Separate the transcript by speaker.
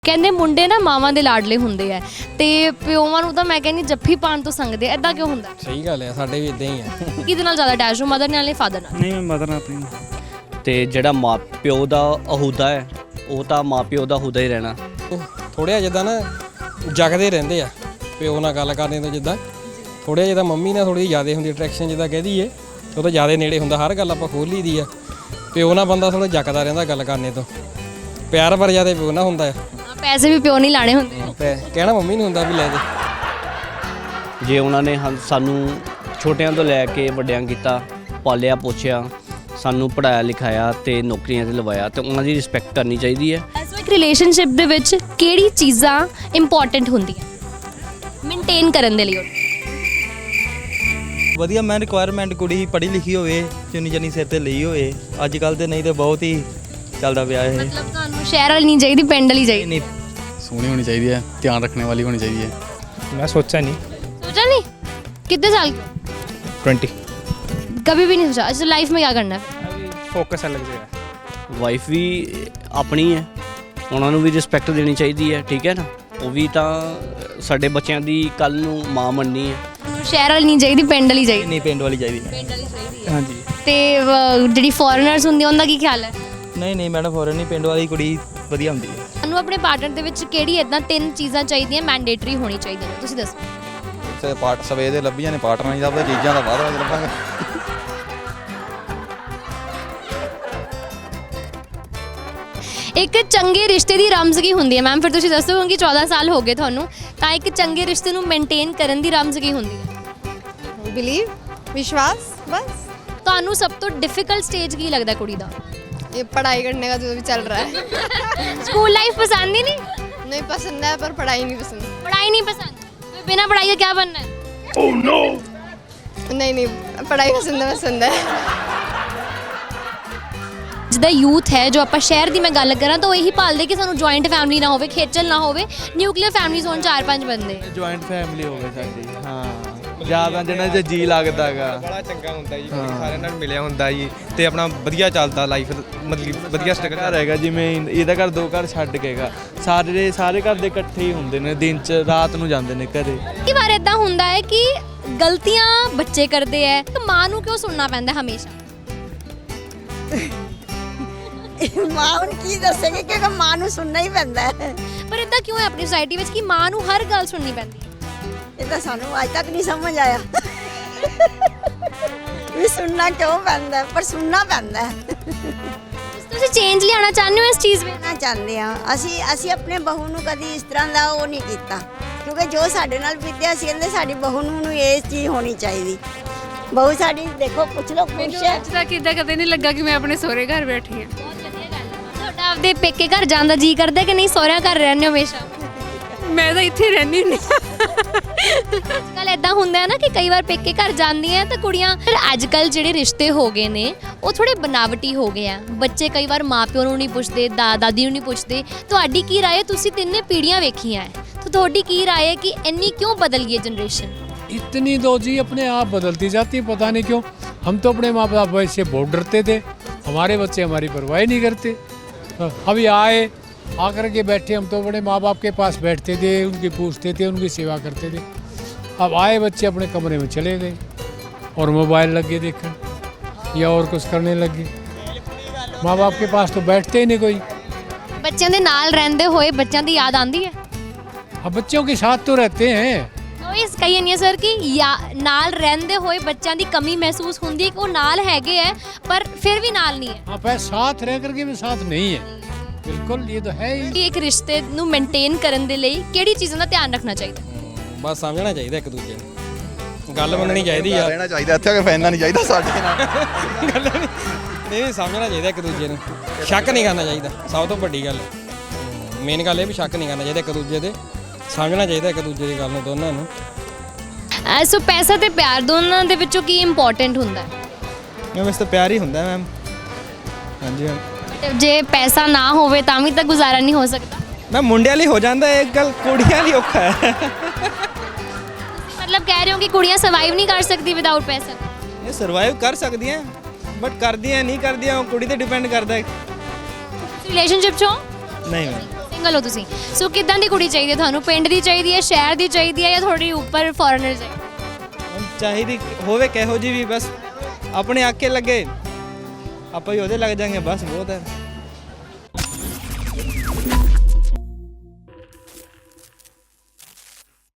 Speaker 1: ਕਹਿੰਦੇ ਮੁੰਡੇ ਨਾ ਮਾਵਾਂ ਦੇ ਲਾਡਲੇ ਹੁੰਦੇ ਆ ਤੇ ਪਿਓਵਾਂ ਨੂੰ ਤਾਂ ਮੈਂ ਕਹਿੰਦੀ ਜੱਫੀ ਪਾਣ ਤੋਂ ਸੰਗਦੇ ਆ। ਐਦਾਂ ਕਿਉਂ ਹੁੰਦਾ?
Speaker 2: ਸਹੀ ਗੱਲ ਹੈ, ਸਾਡੇ ਵੀ ਇਦਾਂ ਹੀ ਆ।
Speaker 1: ਕਿਹਦੇ ਨਾਲ ਜ਼ਿਆਦਾ ਅਟੈਚ ਹੋ, ਮਦਰ ਨਾਲ ਜਾਂ ਫਾਦਰ ਨਾਲ?
Speaker 3: ਨਹੀਂ, ਮੈਂ ਮਦਰ ਨਾਲ ਆਪਣੀ।
Speaker 4: ਤੇ ਜਿਹੜਾ ਮਾਪਿਓ ਦਾ ਅਹੁਦਾ ਹੈ ਉਹ ਤਾਂ ਮਾਪਿਓ ਦਾ ਅਹੁਦਾ ਹੀ ਰਹਿਣਾ।
Speaker 2: ਥੋੜ੍ਹਾ ਜਿੱਦਾਂ ਨਾ ਜਗਦੇ ਰਹਿੰਦੇ ਆ ਪਿਓ ਨਾਲ ਗੱਲ ਕਰਨੇ ਤੋਂ, ਜਿੱਦਾਂ ਥੋੜ੍ਹਾ ਜਿੱਦਾਂ ਮੰਮੀ ਨਾਲ ਥੋੜ੍ਹੀ ਜ਼ਿਆਦਾ ਹੁੰਦੀ ਅਟਰੈਕਸ਼ਨ, ਜਿੱਦਾਂ ਕਹਿ ਦਈਏ ਉਹ ਤਾਂ ਜ਼ਿਆਦਾ ਨੇੜੇ ਹੁੰਦਾ, ਹਰ ਗੱਲ ਆਪਾਂ ਖੋਲ੍ਹ ਲਈ ਦੀ ਆ। ਪਿਓ ਨਾਲ ਬੰਦਾ ਥੋੜ੍ਹਾ ਜਗਦਾ ਰਹਿੰਦਾ ਗੱਲ ਕਰਨੇ ਤੋਂ, ਪਿਆਰ ਪਰ ਜ਼ਿਆਦਾ ਪਿਓ ਨਾਲ ਹੁੰਦਾ ਆ।
Speaker 1: ਪੈਸੇ ਵੀ ਪਿਓ ਨਹੀਂ ਲਾਣੇ ਹੁੰਦੇ,
Speaker 2: ਕਹਿਣਾ ਮੰਮੀ ਨੂੰ ਹੁੰਦਾ ਵੀ ਲੈ ਦੇ।
Speaker 4: ਜੇ ਉਹਨਾਂ ਨੇ ਸਾਨੂੰ ਛੋਟਿਆਂ ਤੋਂ ਲੈ ਕੇ ਵੱਡਿਆਂ ਕੀਤਾ, ਪਾਲਿਆ ਪੋਛਿਆ, ਸਾਨੂੰ ਪੜ੍ਹਾਇਆ ਲਿਖਾਇਆ ਤੇ ਨੌਕਰੀਆਂ ਤੇ ਲਵਾਇਆ, ਤੇ ਉਹਨਾਂ ਦੀ ਰਿਸਪੈਕਟ ਕਰਨੀ ਚਾਹੀਦੀ ਹੈ।
Speaker 1: ਐਸੋ ਇੱਕ ਰਿਲੇਸ਼ਨਸ਼ਿਪ ਦੇ ਵਿੱਚ ਕਿਹੜੀ ਚੀਜ਼ਾਂ ਇੰਪੋਰਟੈਂਟ ਹੁੰਦੀਆਂ ਮੇਨਟੇਨ ਕਰਨ ਦੇ ਲਈ?
Speaker 3: ਵਧੀਆ ਮੈਂ ਰਿਕੁਆਇਰਮੈਂਟ ਕੁੜੀ ਪੜ੍ਹੀ ਲਿਖੀ ਹੋਵੇ, ਚੁੰਨੀ ਚੰਨੀ ਸਿਰ ਤੇ ਲਈ ਹੋਵੇ। ਅੱਜ ਕੱਲ ਤੇ ਨਹੀਂ ਤੇ ਬਹੁਤ ਹੀ ਚੱਲਦਾ ਪਿਆ ਇਹ।
Speaker 1: ਮਤਲਬ ਤੁਹਾਨੂੰ ਸ਼ਹਿਰ ਵਾਲੀ ਨਹੀਂ ਚਾਹੀਦੀ, ਪਿੰਡ ਵਾਲੀ ਚਾਹੀਦੀ?
Speaker 3: ਨਹੀਂ,
Speaker 5: सोहनी होनी चाहिए, ध्यान रखने वाली होनी चाहिए।
Speaker 6: मैं सोचा नहीं।
Speaker 1: सोचा नहीं? कितने साल के?
Speaker 6: 20।
Speaker 1: कभी भी नहीं सोचा? अच्छा, लाइफ में क्या करना है?
Speaker 6: अभी फोकस अलग जगह।
Speaker 4: ਵਾਈਫ ਵੀ ਆਪਣੀ ਹੈ, ਉਹਨਾਂ ਨੂੰ ਵੀ ਰਿਸਪੈਕਟ ਦੇਣੀ ਚਾਹੀਦੀ ਹੈ, ਠੀਕ ਹੈ ਨਾ। ਉਹ ਵੀ ਤਾਂ ਸਾਡੇ ਬੱਚਿਆਂ ਦੀ ਕੱਲ ਨੂੰ ਮਾਂ ਬਣਨੀ ਹੈ।
Speaker 1: ਸ਼ਹਿਰ ਵਾਲੀ ਨਹੀਂ ਚਾਹੀਦੀ, ਪਿੰਡ ਵਾਲੀ ਚਾਹੀਦੀ?
Speaker 3: ਨਹੀਂ, ਪਿੰਡ ਵਾਲੀ ਚਾਹੀਦੀ।
Speaker 1: ਪਿੰਡ ਵਾਲੀ ਚਾਹੀਦੀ।
Speaker 3: ਹਾਂਜੀ।
Speaker 1: ਤੇ ਜਿਹੜੀ ਫੋਰਨਰਸ ਹੁੰਦੀ ਉਹਨਾਂ ਦਾ ਕੀ ਖਿਆਲ ਹੈ?
Speaker 3: ਨਹੀਂ ਮੈਡਮ, ਫੋਰਨ ਨਹੀਂ, ਪਿੰਡ ਵਾਲੀ ਕੁੜੀ ਵਧੀਆ ਹੁੰਦੀ ਹੈ।
Speaker 1: ਤੁਹਾਨੂੰ ਆਪਣੇ ਪਾਰਟਨਰ ਦੇ ਵਿੱਚ ਕਿਹੜੀ ਇਦਾਂ 3 ਚੀਜ਼ਾਂ ਚਾਹੀਦੀਆਂ ਮੈਂਡੇਟਰੀ ਹੋਣੀ ਚਾਹੀਦੀਆਂ ਨੇ, ਤੁਸੀਂ ਦੱਸੋ?
Speaker 5: ਤੇ ਪਾਰਟ ਸਵੇ ਦੇ ਲੱਭੀਆਂ ਨੇ, ਪਾਰਟਨਰ ਨਹੀਂ ਲੱਭਦਾ, ਚੀਜ਼ਾਂ ਦਾ ਬਾਅਦ ਵਿੱਚ ਲੱਭਾਂਗੇ।
Speaker 1: ਇੱਕ ਚੰਗੇ ਰਿਸ਼ਤੇ ਦੀ ਰਮਜ਼ ਕੀ ਹੁੰਦੀ ਹੈ ਮੈਮ? ਫਿਰ ਤੁਸੀਂ ਦੱਸੋ ਕਿ 14 ਸਾਲ ਹੋ ਗਏ ਤੁਹਾਨੂੰ, ਤਾਂ ਇੱਕ ਚੰਗੇ ਰਿਸ਼ਤੇ ਨੂੰ ਮੇਨਟੇਨ ਕਰਨ ਦੀ ਰਮਜ਼ ਕੀ ਹੁੰਦੀ ਹੈ?
Speaker 7: बिलीव, विश्वास, बस।
Speaker 1: ਤੁਹਾਨੂੰ ਸਭ ਤੋਂ ਡਿਫਿਕਲਟ ਸਟੇਜ ਕੀ ਲੱਗਦਾ ਕੁੜੀ ਦਾ?
Speaker 7: ये पढ़ाई करने का जो भी चल रहा है।
Speaker 1: ਸਕੂਲ ਲਾਈਫ पसंद ही नहीं?
Speaker 7: नहीं पसंद है, पर पढ़ाई नहीं पसंद।
Speaker 1: पढ़ाई नहीं पसंद? तो बिना पढ़ाई के क्या बनना है?
Speaker 7: नहीं, पढ़ाई पसंद है।
Speaker 1: ਜਿੱਦਾਂ ਯੂਥ ਹੈ ਜੋ ਆਪਾਂ ਸ਼ਹਿਰ ਦੀ ਮੈਂ ਗੱਲ ਕਰਾਂ ਤਾਂ ਉਹ ਇਹੀ ਭਾਲਦੇ ਕਿ ਸਾਨੂੰ ਜੁਆਇੰਟ ਫੈਮਿਲੀ ਨਾ ਹੋਵੇ, ਖੇਚਲ ਨਾ ਹੋਵੇ, ਨਿਊਕਲੀਅਰ ਫੈਮਿਲੀਜ਼ ਹੋਣ 4-5 ਬੰਦੇ।
Speaker 3: ਜੁਆਇੰਟ ਫੈਮਿਲੀ ਹੋਵੇ ਸਾਡੀ, ਹਾਂ, ਜ਼ਿਆਦਾ ਜਿਹਨਾਂ 'ਚ ਜੀ ਲੱਗਦਾ ਹੈਗਾ।
Speaker 6: ਬੜਾ ਚੰਗਾ ਹੁੰਦਾ ਜੀ, ਸਾਰਿਆਂ ਨਾਲ ਮਿਲਿਆ ਹੁੰਦਾ ਜੀ, ਤੇ ਆਪਣਾ ਵਧੀਆ ਚੱਲਦਾ ਲਾਈਫ, ਮਤਲਬ ਵਧੀਆ ਸਟਰਗਲ
Speaker 3: ਘਰ ਹੈਗਾ, ਜਿਵੇਂ ਇਹਦਾ ਘਰ 2 ਘਰ ਛੱਡ ਕੇ ਹੈਗਾ, ਸਾਰੇ ਘਰ ਦੇ ਇਕੱਠੇ ਹੀ ਹੁੰਦੇ ਨੇ, ਦਿਨ 'ਚ ਰਾਤ ਨੂੰ ਜਾਂਦੇ ਨੇ ਘਰੇ।
Speaker 1: ਕਈ ਵਾਰ ਇਦਾਂ ਹੁੰਦਾ ਹੈ ਕਿ ਗਲਤੀਆਂ ਬੱਚੇ ਕਰਦੇ ਹੈ ਤਾਂ ਮਾਂ ਨੂੰ ਕਿਉਂ ਸੁਣਨਾ ਪੈਂਦਾ ਹਮੇਸ਼ਾ?
Speaker 8: ਮਾਂ ਹੁਣ ਕੀ ਦੱਸੇਗੀ, ਕਿਉਂਕਿ ਮਾਂ ਨੂੰ ਸੁਣਨਾ ਹੀ ਪੈਂਦਾ ਹੈ।
Speaker 1: ਪਰ ਇਦਾਂ ਕਿਉਂ ਹੈ ਆਪਣੀ ਸੋਸਾਇਟੀ ਵਿੱਚ ਕਿ ਮਾਂ ਨੂੰ ਹਰ ਗੱਲ ਸੁਣਨੀ ਪੈਂਦੀ ਹੈ?
Speaker 8: ਇਹ ਤਾਂ ਸਾਨੂੰ ਅੱਜ ਤੱਕ ਨਹੀਂ ਸਮਝ ਆਇਆ ਵੀ ਸੁਣਨਾ ਕਿਉਂ ਪੈਂਦਾ ਹੈ, ਪਰ ਸੁਣਨਾ ਪੈਂਦਾ ਹੈ।
Speaker 1: ਤੁਸੀਂ ਚੇਂਜ ਲਿਆਉਣਾ ਚਾਹੁੰਦੇ ਹੋ ਇਸ ਚੀਜ਼ ਵਿੱਚ?
Speaker 8: ਨਾ ਚਾਹੁੰਦੇ ਹਾਂ ਅਸੀਂ ਆਪਣੇ ਬਹੂ ਨੂੰ ਕਦੀ ਇਸ ਤਰ੍ਹਾਂ ਦਾ ਉਹ ਨਹੀਂ ਕੀਤਾ, ਕਿਉਂਕਿ ਜੋ ਸਾਡੇ ਨਾਲ ਬੀਤਿਆ ਸੀ, ਕਹਿੰਦੇ ਸਾਡੀ ਬਹੂ ਨੂੰ ਇਹ ਚੀਜ਼ ਹੋਣੀ ਚਾਹੀਦੀ। ਬਹੂ ਸਾਡੀ ਦੇਖੋ, ਪੁੱਛ ਲਓ, ਖੁਸ਼ ਹੈ।
Speaker 9: ਅੱਜ ਤੱਕ ਇਦਾਂ ਕਦੇ ਨਹੀਂ ਲੱਗਾ ਕਿ ਮੈਂ ਆਪਣੇ ਸਹੁਰੇ ਘਰ ਬੈਠੀ ਹਾਂ।
Speaker 1: ਬਹੁਤ ਵਧੀਆ ਗੱਲ ਹੈ। ਤੁਹਾਡਾ ਆਪਦੇ ਪੇਕੇ ਘਰ ਜਾਣ ਦਾ ਜੀ ਕਰਦਾ ਕਿ ਨਹੀਂ, ਸਹੁਰਿਆਂ ਘਰ ਰਹਿੰਦੇ ਹੋ ਹਮੇਸ਼ਾ?
Speaker 9: ਮੈਂ ਤਾਂ ਇੱਥੇ ਰਹਿੰਦੀ ਹੁੰਦੀ ਹਾਂ।
Speaker 1: ਅੱਜ ਕੱਲ੍ਹ ਇਦਾਂ ਹੁੰਦਾ ਹੈ ਨਾ ਕਿ ਕਈ ਵਾਰ ਪੇਕੇ ਘਰ ਜਾਂਦੀਆਂ ਤਾਂ ਕੁੜੀਆਂ, ਫਿਰ ਅੱਜ ਕੱਲ੍ਹ ਜਿਹੜੇ ਰਿਸ਼ਤੇ ਹੋ ਗਏ ਨੇ ਉਹ ਥੋੜੇ ਬਨਾਵਟੀ ਹੋ ਗਏ ਆ। ਬੱਚੇ ਕਈ ਵਾਰ ਮਾਪਿਓ ਨੂੰ ਨਹੀਂ ਪੁੱਛਦੇ, ਦਾਦੀ ਨੂੰ ਨਹੀਂ ਪੁੱਛਦੇ। ਤੁਹਾਡੀ ਕੀ ਰਾਏ? ਤੁਸੀਂ 3 ਪੀੜ੍ਹੀਆਂ ਵੇਖੀਆਂ ਹੈ, ਤਾਂ ਤੁਹਾਡੀ ਕੀ ਰਾਏ ਹੈ ਕਿ ਇੰਨੀ ਕਿਉਂ ਬਦਲ ਗਈ ਹੈ ਜਨਰੇਸ਼ਨ?
Speaker 10: इतनी दो जी अपने आप बदलती जाती है, पता नहीं क्यों। हम तो अपने माँ बाप से बहुत डरते थे, हमारे बच्चे हमारी परवाह नहीं करते। अभी आए आकर के बैठे, हम तो अपने माँ बाप के पास बैठते थे, उनकी पूछते थे, उनकी सेवा करते थे। अब आए बच्चे अपने कमरे में चले गए और मोबाइल लग गए देखने या और कुछ करने लग गए। माँ बाप के पास तो बैठते ही नहीं कोई।
Speaker 1: ਬੱਚਿਆਂ ਦੇ ਨਾਲ ਰਹਿੰਦੇ ਹੋਏ ਬੱਚਿਆਂ ਦੀ ਯਾਦ ਆਉਂਦੀ ਹੈ?
Speaker 10: अब बच्चों के साथ तो रहते हैं।
Speaker 1: ਉਹ ਇਸ ਕਹੀ ਨਹੀਂ ਸਰ ਕਿ ਨਾਲ ਰਹਿੰਦੇ ਹੋਏ ਬੱਚਿਆਂ ਦੀ ਕਮੀ ਮਹਿਸੂਸ ਹੁੰਦੀ ਹੈ ਕਿ ਉਹ ਨਾਲ ਹੈਗੇ ਹੈ ਪਰ ਫਿਰ ਵੀ ਨਾਲ ਨਹੀਂ ਹੈ।
Speaker 10: हाँ, पर साथ रह करके भी साथ नहीं है, बिल्कुल, ये तो है ही।
Speaker 1: ਕਿ ਇੱਕ ਰਿਸ਼ਤੇ ਨੂੰ ਮੇਨਟੇਨ ਕਰਨ ਦੇ ਲਈ ਕਿਹੜੀ ਚੀਜ਼ਾਂ ਦਾ ਧਿਆਨ ਰੱਖਣਾ ਚਾਹੀਦਾ?
Speaker 2: ਬਸ ਸਮਝਣਾ ਚਾਹੀਦਾ ਇੱਕ ਦੂਜੇ ਨੂੰ, ਗੱਲ ਮੰਨਣੀ ਚਾਹੀਦੀ ਆ।
Speaker 5: ਰਹਿਣਾ ਚਾਹੀਦਾ, ਇੱਥੇ ਆ ਕੇ ਫੈਨਣਾ ਨਹੀਂ ਚਾਹੀਦਾ ਸਾਡੇ ਨਾਲ।
Speaker 2: ਨਹੀਂ, ਸਮਝਣਾ ਚਾਹੀਦਾ ਇੱਕ ਦੂਜੇ ਨੂੰ, ਸ਼ੱਕ ਨਹੀਂ ਕਰਨਾ ਚਾਹੀਦਾ, ਸਭ ਤੋਂ ਵੱਡੀ ਗੱਲ ਮੇਨ ਗੱਲ ਇਹ ਵੀ ਸ਼ੱਕ ਨਹੀਂ ਕਰਨਾ ਚਾਹੀਦਾ ਇੱਕ ਦੂਜੇ ਦੇ, ਸਮਝਣਾ ਚਾਹੀਦਾ ਇੱਕ ਦੂਜੇ ਦੀ ਗੱਲ ਨੂੰ, ਦੋਨਾਂ ਨੂੰ।
Speaker 1: ਸੋ ਪੈਸਾ ਤੇ ਪਿਆਰ ਦੋਨਾਂ ਦੇ ਵਿੱਚੋਂ ਕੀ ਇੰਪੋਰਟੈਂਟ ਹੁੰਦਾ ਹੈ?
Speaker 3: ਮੈਮ ਇਸ ਤਾਂ ਪਿਆਰ ਹੀ ਹੁੰਦਾ ਮੈਮ। ਹਾਂਜੀ ਮੈਮ।
Speaker 1: ਤੇ ਜੇ ਪੈਸਾ ਨਾ ਹੋਵੇ ਤਾਂ ਵੀ ਤਾਂ ਗੁਜ਼ਾਰਾ ਨਹੀਂ ਹੋ ਸਕਦਾ।
Speaker 3: ਮੈਂ ਮੁੰਡਿਆਂ ਲਈ ਹੋ ਜਾਂਦਾ, ਇੱਕ ਗੱਲ ਕੁੜੀਆਂ ਲਈ ਔਖਾ ਹੈ।
Speaker 1: ਮਤਲਬ ਕਹਿ ਰਹੇ ਹੋ ਕਿ ਕੁੜੀਆਂ ਸਰਵਾਈਵ ਨਹੀਂ ਕਰ ਸਕਦੀ ਵਿਦਆਊਟ ਪੈਸਾ?
Speaker 3: ਇਹ ਸਰਵਾਈਵ ਕਰ ਸਕਦੀਆਂ, ਬਟ ਕਰਦੀਆਂ ਨਹੀਂ ਕਰਦੀਆਂ ਉਹ ਕੁੜੀ ਤੇ ਡਿਪੈਂਡ ਕਰਦਾ ਹੈ।
Speaker 1: ਰਿਲੇਸ਼ਨਸ਼ਿਪ 'ਚ ਹੋ?
Speaker 3: ਨਹੀਂ ਮੈਮ।
Speaker 1: ਸਿੰਗਲ ਹੋ ਤੁਸੀਂ, ਸੋ ਕਿੱਦਾਂ ਦੀ ਕੁੜੀ ਚਾਹੀਦੀ ਹੈ ਤੁਹਾਨੂੰ? ਪਿੰਡ ਦੀ ਚਾਹੀਦੀ ਹੈ, ਸ਼ਹਿਰ ਦੀ ਚਾਹੀਦੀ ਹੈ, ਜਾਂ ਥੋੜੀ ਉੱਪਰ ਫੋਰਨਰ ਚਾਹੀਦੀ?
Speaker 3: ਚਾਹੀਦੀ ਹੋਵੇ ਕਿਹੋ ਜੀ ਵੀ, ਬਸ ਆਪਣੇ ਆਕੇ ਲੱਗੇ ਆਪਾਂ ਹੀ ਉਹਦੇ ਲੱਗ ਜਾਾਂਗੇ, ਬਸ ਬਹੁਤ ਹੈ।